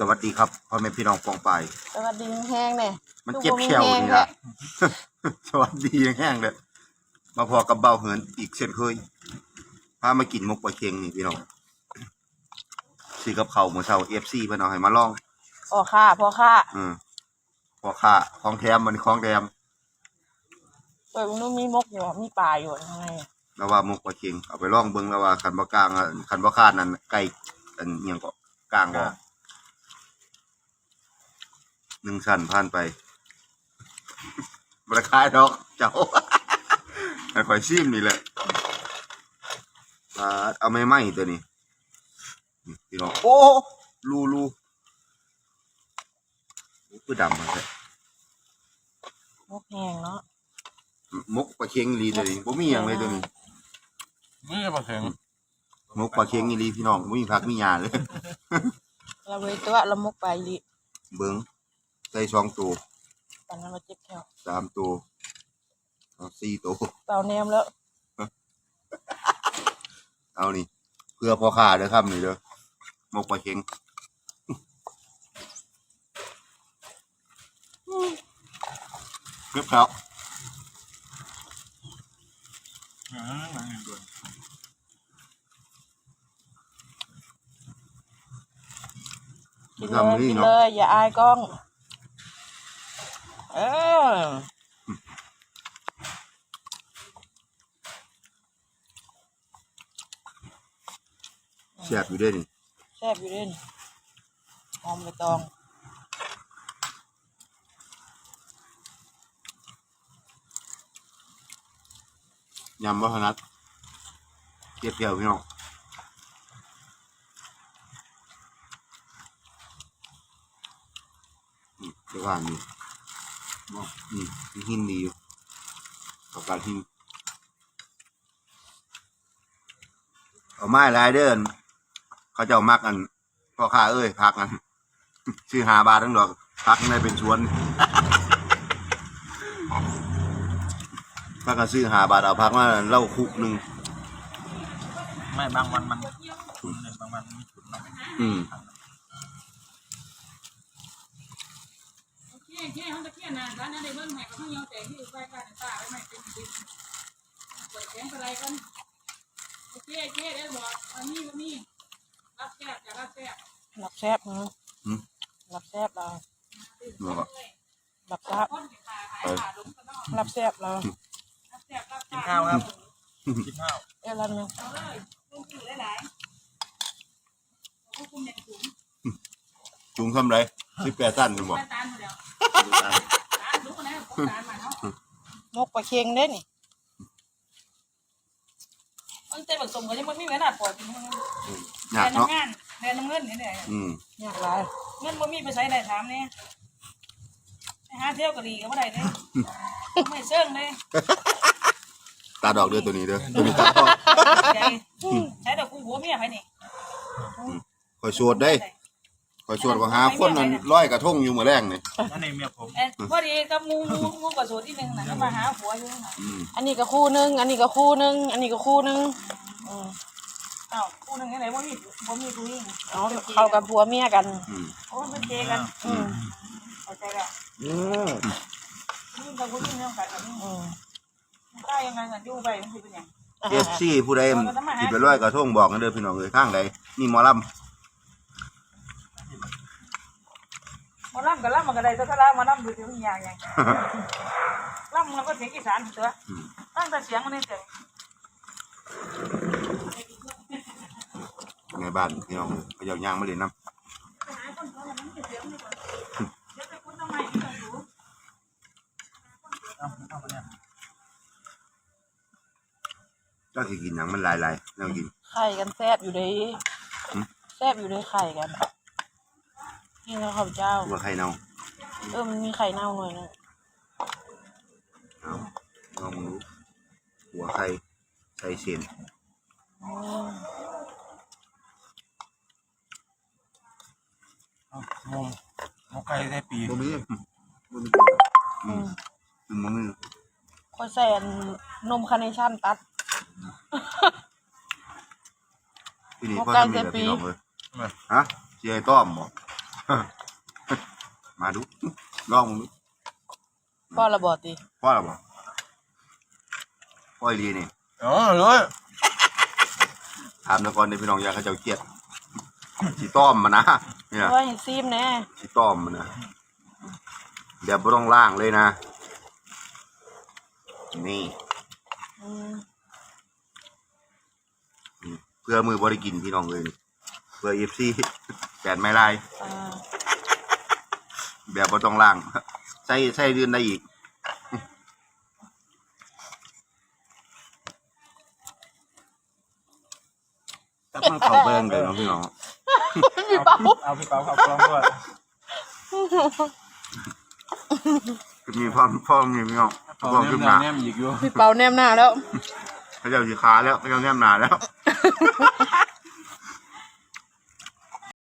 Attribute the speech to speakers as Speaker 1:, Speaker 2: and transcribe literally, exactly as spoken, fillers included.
Speaker 1: สวัสดีครับพ่อแม่พี่น้องปองไป
Speaker 2: สวัสดีแห้งเนี่ย
Speaker 1: มันเจ็บแฉวนี่ละสวัสดีแห้งเลยมาพอกับเบาเหินอีกเช่นเคยพามากินมกปลาเค็งนี่พี่น้องสีกับเขาหมูเชาเอฟซีเพื่อนเอาให้มาลอง
Speaker 2: พ่อค่าพ่อค่า
Speaker 1: อืมพ่อค่าคลองแถมมันคลองแถม
Speaker 2: เปิดนู้นมีมกอยู่มีปลาอยู่ข้างใน
Speaker 1: แล้วว่ามกปลาเค็งเอาไปลองเบิ้งแล้วว่าขันบ่กลางขันบ่คาดนั่นไก่อันเอียงก็กลางก็หนึ่งชั้นผ่านไปราคาดอกเจ้าไอ้ข่อยซิมนี่แหละเอาไม่ไหมตัวนี้พี่น้องโอ้รูรูคือดำมันเลย
Speaker 2: มกแห้งเนาะ
Speaker 1: มกปลาเค็งลีตัวนี้ผมมีอย่างเลยตัวนี้
Speaker 3: ไม่ใช่ปลาเค็ง
Speaker 1: มกปลาเค็งนี่ลีพี่น้องมีผักมีหญ้าเลย
Speaker 2: เราเลยตัวเรามกไปลี
Speaker 1: เบิ้งใส่สองตัว
Speaker 2: ตอนนั้นเราเจ็บแค่
Speaker 1: สามตัวสี่ตัว
Speaker 2: เต่าแนมแล้ว
Speaker 1: เอานี่เพื่อพ่อค้าเด้อครับนี่เด้อมกปลาเค็งเรียบร้อย
Speaker 2: กินเลยกินเลยอย่าอายกล้องเออ
Speaker 1: แซ่บอยู่ด้วยนี่
Speaker 2: แซ่บอยู่ด้วยหอมใบตอง
Speaker 1: ยำวัฒนัทเกี๊ยวเกี๊ยวพี่น้องนี่เดี๋ยวว่านี่นี่มีหินดีอยู่กับการหินเอาไม้ลายเดินเขาจะเอามักกันพ่อค้าเอ้ยพักกันชื่อหาบาททั้งดอกพักในเป็นชวนพักกันซื้อหาบาทเอาพักมาเล่าคุกหนึ่ง
Speaker 3: ไม่บางวันมันฉุนเลยบางวันไม่ฉุนหรอก
Speaker 1: อืม
Speaker 4: โอเคโอเคเขาจะเที่ยนนานร้านนั้นได้เบิ้งแหกเขาเยาแต่ที่ไปกันตาไว้ไม่เป็นดินเปิดแสงอะไรกันโอเคโอเคได้บอกอันนี้วันนี้รับแซ่บจะรับแซ่บ
Speaker 2: รับแซ่บเนาะรับแซ่บเรารับแซ่บรับแซ่บเรา
Speaker 3: กินข้าวครับกินข้าว
Speaker 2: เออแล้วนึง
Speaker 1: จุงทำไรสิบแปดตันจะบอก
Speaker 2: มกปลาเค็งได้นี่
Speaker 4: มันเต็มผสมกันยังไม่มีเงินอ่ะปล่อย
Speaker 1: หนักเนาะ
Speaker 4: เรียนน้ำเงินนี่แหละ
Speaker 2: อยากไร
Speaker 4: เงินบ่มีไปใช้ไหนถามเนี่ยไปหาเที่ยวกะหรี่ก็ไม่ได้เลยไม่เชื่องเลย
Speaker 1: ตาดอกเด้อตัวนี้เด้อตัวนี้ตาดอก
Speaker 4: ใช้ดอกกูหัวเมียไปนี่
Speaker 1: คอยสวดได้คอยสวดว่าหาคนนั้นร้อยกระทงอยู่เมื่อแรงนี่
Speaker 3: อันนี้เมียผม
Speaker 4: พอดีกับงูงูงูกระสวดที่หนึ่งนะก็มาหาผัวอยู่
Speaker 2: อันนี้ก็คู่นึงอันนี้ก็คู่นึงอันนี้ก็คู่นึง
Speaker 4: อ้าวคู่นึงไหนว่ามีว่ามีคู่นี้
Speaker 2: เอาเข้ากับผัวเมียกัน
Speaker 4: โอ้เป็นเจกันเข้าใจละ
Speaker 1: อืม
Speaker 4: นี่กับคู่นี้เรื่องกันแบบนี้ได้ยังไงกันยู่ไปมันคือเป็นยัง
Speaker 1: เอฟซีผู้ใดที่ไปร้อยกระทงบอกกันเด้อพี่น้องเอ้ยข้างใดนี่หมอลำ
Speaker 4: มาล่ำกับล่ำมันก็ได้ตัวล่ำมาล่ำดูที่มันยางยังล่ำมันก็เสียงอีสานตัวตั้งแต่เสียงมันนี่เสียง
Speaker 1: ในบ้านพี่น้องเขาอยากย่างมาเล่นน้ำเจ้าที่กินอย่างมันลายลายเรากิน
Speaker 2: ไข่กันแซ่บอยู่เลยแซ่บอยู่เลยไข่กันนี่นะข้าวเจ้า
Speaker 1: หัวไข่เน่า
Speaker 2: เออมันมีไข่เน่าหน่อยนึง
Speaker 1: เอาลองดูหัวไข่ใส่เส้น
Speaker 3: งงงงไก่ได้ปี
Speaker 1: บ่มีบ่มีอืมอืมบ่มี
Speaker 2: ค่อยใส่นมคาร์เนชั่นตัด
Speaker 1: ปีนี้พ่อทำมีแบบพี่น้องเลยฮะเจียต้อมบ่มาดูลองมึงดู
Speaker 2: พ่อระบอดดิ
Speaker 1: พ่อหรอบ่พ่ออีหลีนี่
Speaker 3: อ๋อเลย
Speaker 1: ถามนครในพี่น้องอยากให้เจ้าเกลียดสีต้อมมานะเนี่ย
Speaker 2: ว่าเห็นซีมแน่
Speaker 1: สีต้อมมานะเดี๋ยวไม่ต้องล่างเลยนะนี่
Speaker 2: อืม
Speaker 1: เพื่อมือบริกินพี่น้องเลยนี่เพื่อเอฟซีแปดไม้ลาย
Speaker 2: อ่า
Speaker 1: แบบไม่ต้องล่างใส่ใส่เดือนได้อีกจับมันเข่าเบิ้งเลยเนาะพี่น้อง
Speaker 2: พี่เปา
Speaker 3: เอาพี่เปาเข้ากล้องด้วย
Speaker 1: จะมีพ่อพ่อมีพี่น้อง
Speaker 3: พอ
Speaker 1: พ่อ
Speaker 3: แน
Speaker 1: ขึ้
Speaker 3: ม
Speaker 1: น
Speaker 3: ห
Speaker 1: มา
Speaker 3: น้าแนมอีกอยู่
Speaker 2: พี่เปาแนมหน้าแล้ว
Speaker 1: เขาเจ้าสีขาแล้วเขาเจ้าแนมหนาแล้ว